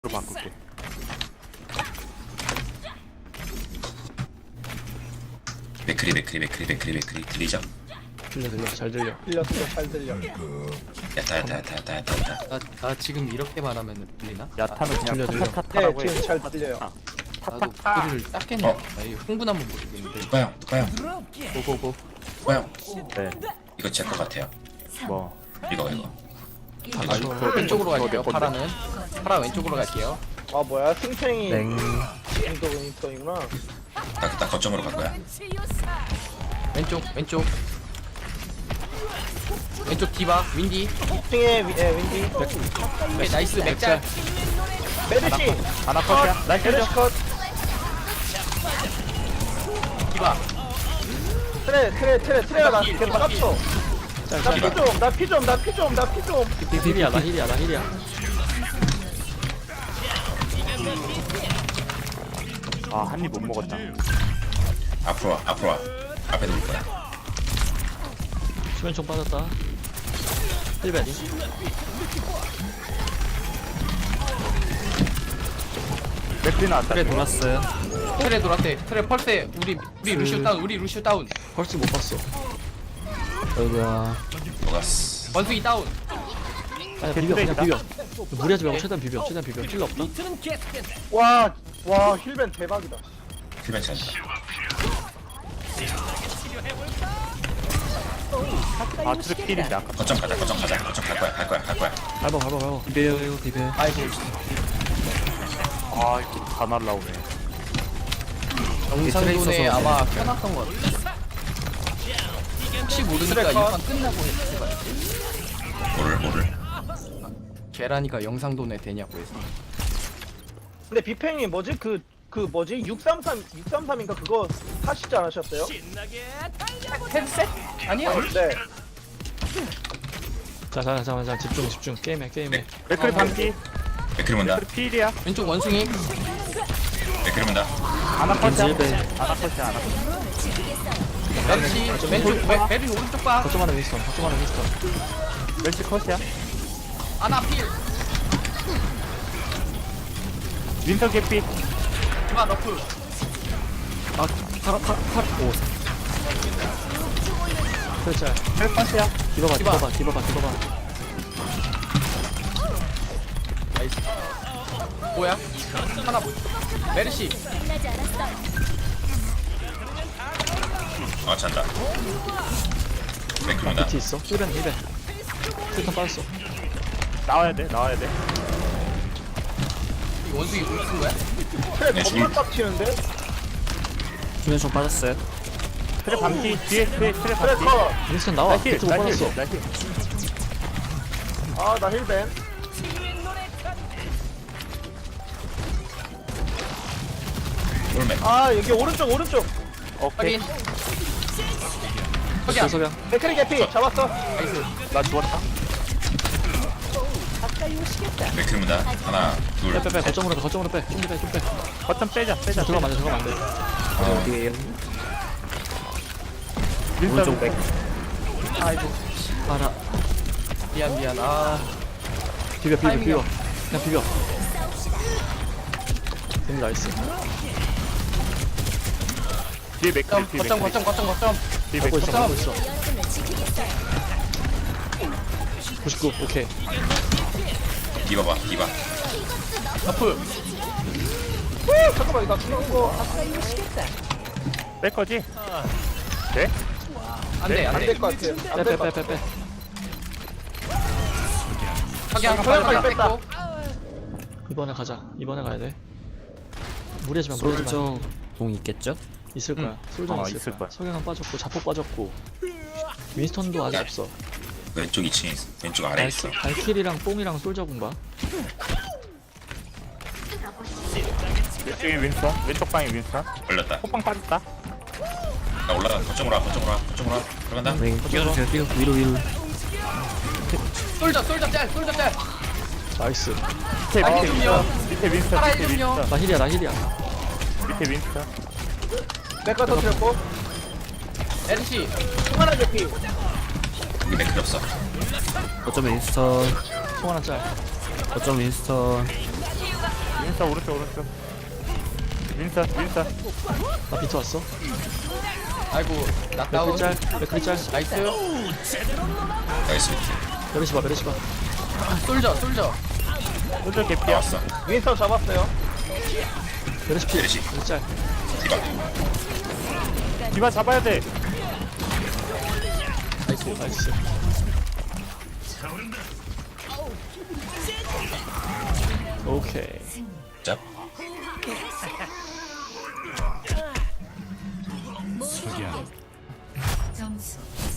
바꿀게. 맥크리 들리죠? 들려 잘 들려. 잘 들려. 야타. 나 지금 이렇게 말하면 들리나? 야타는 들려, 그냥 들려. 네, 타타타라고 해. 지금 잘 들려요. 나도 목소리를 땄겠냐? 어. 나 이거 흥분하면 모르겠는데. 누가요? 고고고. 네. 이거 제 거 같아요. 뭐. 이거. 아, 저 왼쪽으로 갈게요. 파라는. 파라 왼쪽으로 갈게요. 아 뭐야 승팽이 땡. 인터이구나. 나 거점으로 갈 거야. 왼쪽. 왼쪽 디바 윈디. 승의 윈디. 오케이, 나이스 맥짤. 메르시. 하나 컷이야. 나이스 메르시 죠 컷. 디바. 트레가 나 계속 깝쳐. 나 피 좀. 힐이야 나 힐이야. 아, 한 입 못 먹었다. 앞으로 와. 앞에 놓을 거야. 수면총 빠졌다. 힐베리. 맥주 나왔다. 그래 돌았어요. 트레 돌았대. 트레 펄세. 우리 루시오 다운. 펄스 못 봤어. 어이구야. 녹았어. 원숭이 다운. 아니 비벼 그냥 비벼. 무리하지 말고 최대한 비벼. 힐러 없다. 와 힐벤 대박이다. 힐벤 찬다. 아, 트랙 필인데 아까. 거점 가자. 거점 갈 거야. 밟아. 비벼. 아이고. 아, 이거 다 날라오네. 영상돈에 아마 켜놨던 것 같아. 혹시 모르니까 트레 컷. 이판 끝나고 해봐야지. 뭐를. 계란이가 영상돈에 되냐고 해서. 근데 비팽이 뭐지 그 뭐지 633인가 그거 하시지 않으셨어요? 헤드셋? 아니야. 네. 자 집중. 게임해. 맥클 반피. 맥크리 문다. 맥클 필이야. 왼쪽 원숭이. 맥크리 문다. 하나 컷이야. 하나 컷이야. 멜시 왼쪽 메리 오른쪽 봐. 거점 하나 윈스턴. 멜시 컷이야. 아나 필. 윈터 개피. 디바 너프. 오. 그렇지. 헬 컷이야. 디바봐. 나이스. 뭐야? 하나 뭐? 메르시. 찬다. 맥크리 문다. 비트 있어. 힐벤. 힐턴 빠졌어. 나와야 돼. 이 원숭이 뭐 쓴 거야? 트레 네, 겁나 빡치는데? 수면총 빠졌어요. 트랙 반피. 뒤에 트랙 트레 반피. 컷. 윈스턴 나와. 나힐. 비트 못 빠졌어. 나힐. 아 나 힐벤. 롤맥. 아 여기 오른쪽. 오케이. 확인. 석양. 소소경. 맥크리 개피 잡았어. 나이스. 나 죽었다. 맥크리 문다. 하나, 둘. 빼. 거점으로 빼. 좀 빼. 거점 빼자. 들어가면 안 돼. 어디에요? 윈터 맥. 아이고. 알아. 미안. 아. 비벼. 타이밍이야. 그냥 비벼. 나이스. 뒤에 맥클. 뒤에 거점. 뒤에 하고 맥클. 있어. 99. 오케이. 디바. 너프. 잠깐만 나 죽는 거 뺄 거지? 네? 안돼. 안 될 것 같아요. 안 될 것 같아. 빼. 석양 석양까지 뺐다. 뺐고. 이번에 가야 돼. 무리하지 마. 공 있겠죠? 있을 거야. 솔전 어, 있을 있을 거야. 거야. 석양은 빠졌고 자폭 빠졌고. 윈스턴도 아직 야. 없어. 왼쪽 2층에 있어. 왼쪽 아래에 있어. 발킬이랑 뽕이랑 솔저 공봐. 왼쪽에 윈스턴. 왼쪽 방에 윈스턴. 걸렸다. 호빵 빠졌다. 나 올라가. 거점으로 와. 들어간다. 네, 뛰어주세요. 위로. 솔져 짤. 나이스. 밑에 아, 해준요. 밑에 윈스턴. 살아 밑에 해준요. 윈스턴. 나 힐이야. 밑에 윈스턴. 내가 터뜨렸고. 메르시. 하나 개피. 여기 맥크리 없어. 거점 윈스턴. 총 하나 짤. 거점 윈스턴. 오른쪽. 윈선. 나 비트 왔어. 아이고 낙다운. 맥크리 짤. 나이스. 나이스. 메르시 봐. 솔져. 혼자 개피야. 나왔어. 윈스턴 잡았어요. 메르시 피. 메르시. 메르시 짤. 디바. 디바 잡아야 돼. 나이스. 오케이. 짭. 점수